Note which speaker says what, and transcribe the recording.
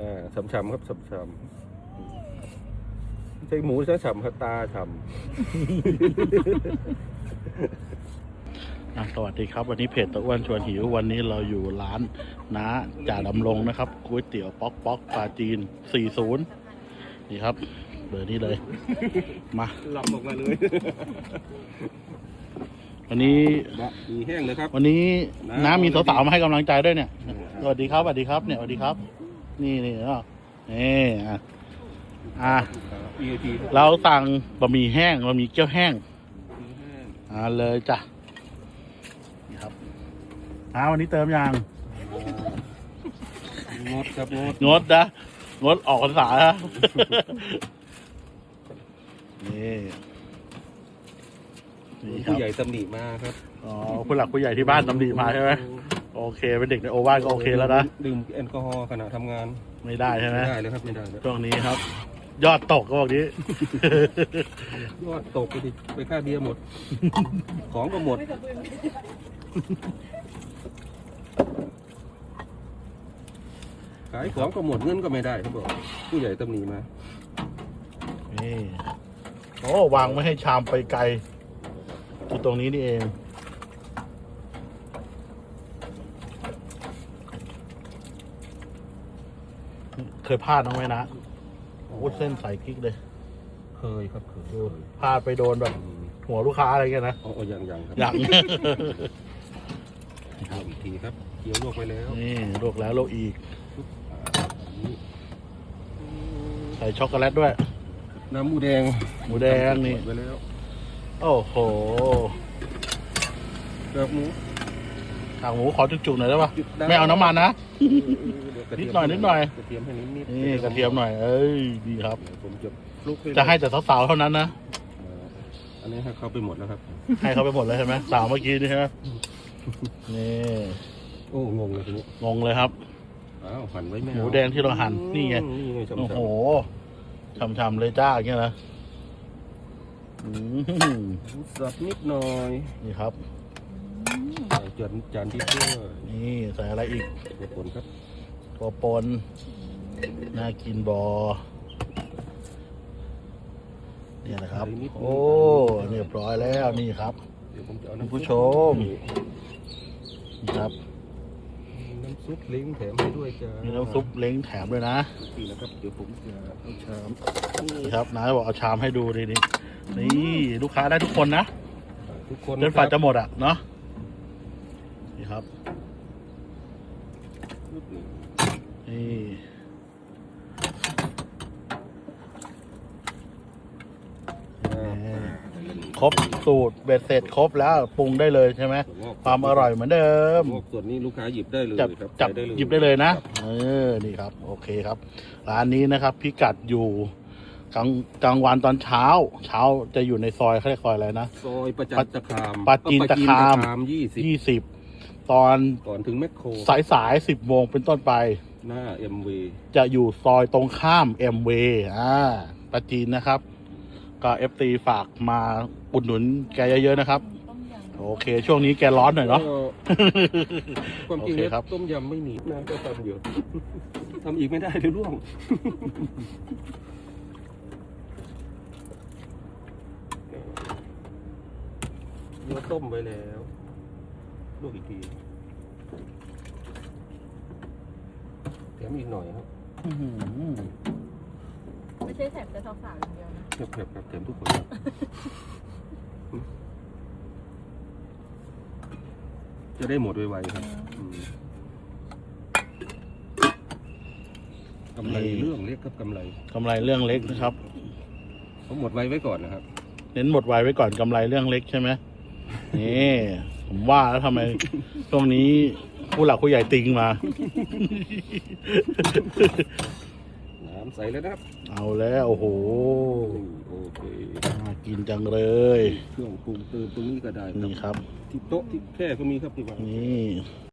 Speaker 1: ฉ่ำๆครับฉ่ำๆใช่หมูใช่ฉ่ำครับตาฉ่ำ
Speaker 2: สวัสดีครับวันนี้เพจตะอ้วนชวนหิววันนี้เราอยู่ร้านน้าจ่าดำรงนะครับก๋วยเตี๋ยวป๊อกป๊อกปลาจีน40นี่ครับเบอร์นี้เลยมา
Speaker 1: หลับออกมาเลย
Speaker 2: วันนี้
Speaker 1: มีแห้งเลยครับ
Speaker 2: วันนี้น้ามีสาวๆมาให้กำลังใจด้วยเนี่ยสวัสดีครับสวัสดีครับเนี่ยสวัสดีครับนี่ก็นี่
Speaker 1: VIP
Speaker 2: เราสั่งบะหมี่แห้งบะหมี่เกี๊ยวแห้งเลยจ้ะนี่ครับวันนี้เติมยัง
Speaker 1: งดครับ
Speaker 2: งดนะงดออกพรรษานะนี่ครับ
Speaker 1: ผู้ใหญ่ตำหนิมาครับ
Speaker 2: ผู้หลักผู้ใหญ่ที่บ้านตำหนิมาใช่ไหมโอเคเป็นเด็กในโอวาทก็โอเคแล้วนะ
Speaker 1: ดื่มแอลกอฮอล์ขณะทำงาน
Speaker 2: ไม่ได้ใช่ไหม
Speaker 1: ไม่ได้เลยครับไม่ได้
Speaker 2: ช่วงนี้ครับ ยอดตกก็บอกนี้
Speaker 1: ยอดตกไปค่าเบียร์หมด ของก็หมดขายของก็หมดเงินก็ไม่ได้เขาบอกผู้ใหญ่ตำหนิมา
Speaker 2: นี่โอ้วางไม่ให้ชามไปไกลอยู่ตรงนี้นี่เองเคยพลาดน้องไหมนะโอ้เส้นใส่กิ๊กเลย
Speaker 1: เคยครับเคย
Speaker 2: พลาดไปโดนแบบหัวลูกค้าอะไรเงี้ยนะ
Speaker 1: ยังครับ
Speaker 2: ยัง
Speaker 1: อีกทีครับเกี่ยวลวกไปแล้ว
Speaker 2: นี่ลวกแล้วลวกอีกใส่ช็อกโกแลตด้วย
Speaker 1: น้ำหมูแดง
Speaker 2: นี่
Speaker 1: ไปแล้ว
Speaker 2: โอ้โห
Speaker 1: กากหมู
Speaker 2: ขอจุกๆหน่อยได้ปะไม่เอาน้ำมันนะนิดหน่อย
Speaker 1: กระเทียมให้นิด
Speaker 2: นี่กระเทียมหน่อยเอ้ยดีครับ
Speaker 1: ผม
Speaker 2: จะให้แต่สาวๆเท่านั้นนะ
Speaker 1: อันนี้ให้เขาไปหมดแล้วครับ
Speaker 2: ให้เขาไปหมดแล้วใช่ไหมสาวเมื่อกี้นี่ใช่ไหมนี่
Speaker 1: โอ้งงเลยทีนี้
Speaker 2: งงเลยครับ
Speaker 1: หั่นไว้ไม่
Speaker 2: หมูแดงที่เราหั่นนี่ไงโอ้โหฉ่ำๆเลยจ้าอย่างเงี้ยนะ
Speaker 1: สับนิดหน่อย
Speaker 2: นี่ครับ
Speaker 1: จานที่เพื่อ
Speaker 2: นี่ใส่อะไรอีก
Speaker 1: ตัวปนครับ
Speaker 2: ตัวปนน่ากินบอเนี่ยนะครับโอ้เรียบร้อยแล้วนี่ครับคุณผู้ชมนี่ครับ
Speaker 1: น้ำซุปเล้งแถมให้ด้วยจ้า
Speaker 2: มีน้ำซุปเล้งแถมด้วยนะ
Speaker 1: นี่นะครับเดี๋ยวผมจะเอาชาม
Speaker 2: นี่ครับน้าบอกเอาชามให้ดูดินี่ลูกค้าได้ทุกคนนะ
Speaker 1: ทุกคน
Speaker 2: จนฝ่าจะหมดอ่ะเนาะนี่ครับนี่ครบสูตรเบ็ดเสร็จครบแล้วปรุงได้เลยใช่ไหมความอร่อยเหมือนเดิม
Speaker 1: ส่วนนี้ลูกค้าหยิบได้เลย
Speaker 2: จับหยิบได้เลยนะนี่ครับโอเคครับร้านนี้นะครับพิกัดอยู่กลางวันตอนเช้าจะอยู่ในซอยเขาเรียกซอยอะไรนะ
Speaker 1: ซอยประจันตคาม
Speaker 2: ปาจีนตคาม20ตอน
Speaker 1: ก่อนถึงแมคโคร
Speaker 2: สาย10 โมงเป็นต้นไป
Speaker 1: หน้าMV
Speaker 2: จะอยู่ซอยตรงข้ามMVปาจีนนะครับก็ FT ฝากมาอุดหนุนแกเยอะๆนะครับโอเคช่วงนี้แกร้อนหน่อยเนาะ
Speaker 1: ความจริงครับต้มยำไม่มีน้ำก็ทำอยู่ทำอีกไม่ได้เดี๋ยวร่วงเนื้อต้มไปแล้วลวกอีกทีแถมอีกหน่อยครับ
Speaker 3: ไม่ใช่แถมแต่สาวๆอย่างเดียวนะ
Speaker 1: แถมทุกคนจะได้หมดไวๆครับกำไรเรื่องเล็กครับกำไร
Speaker 2: เรื่องเล็กนะครับ
Speaker 1: ผมหมดไว้ก่อนนะครับ
Speaker 2: เน้นหมดไว้ก่อนกำไรเรื่องเล็กใช่ไหมนี่ผมว่าแล้วทำไมช่วงนี้ผู้หลักผู้ใหญ่ติงมา
Speaker 1: น้ำใส่แล้วนะครับ
Speaker 2: เอาแล้วโอ้โห
Speaker 1: โอเค
Speaker 2: น่ากินจังเลย
Speaker 1: เครื่องปรุงเติมตรงนี้ก็ได้
Speaker 2: นี่ครับ
Speaker 1: ที่โต๊ะที่แค่ก็มีครับที่วาง
Speaker 2: นี่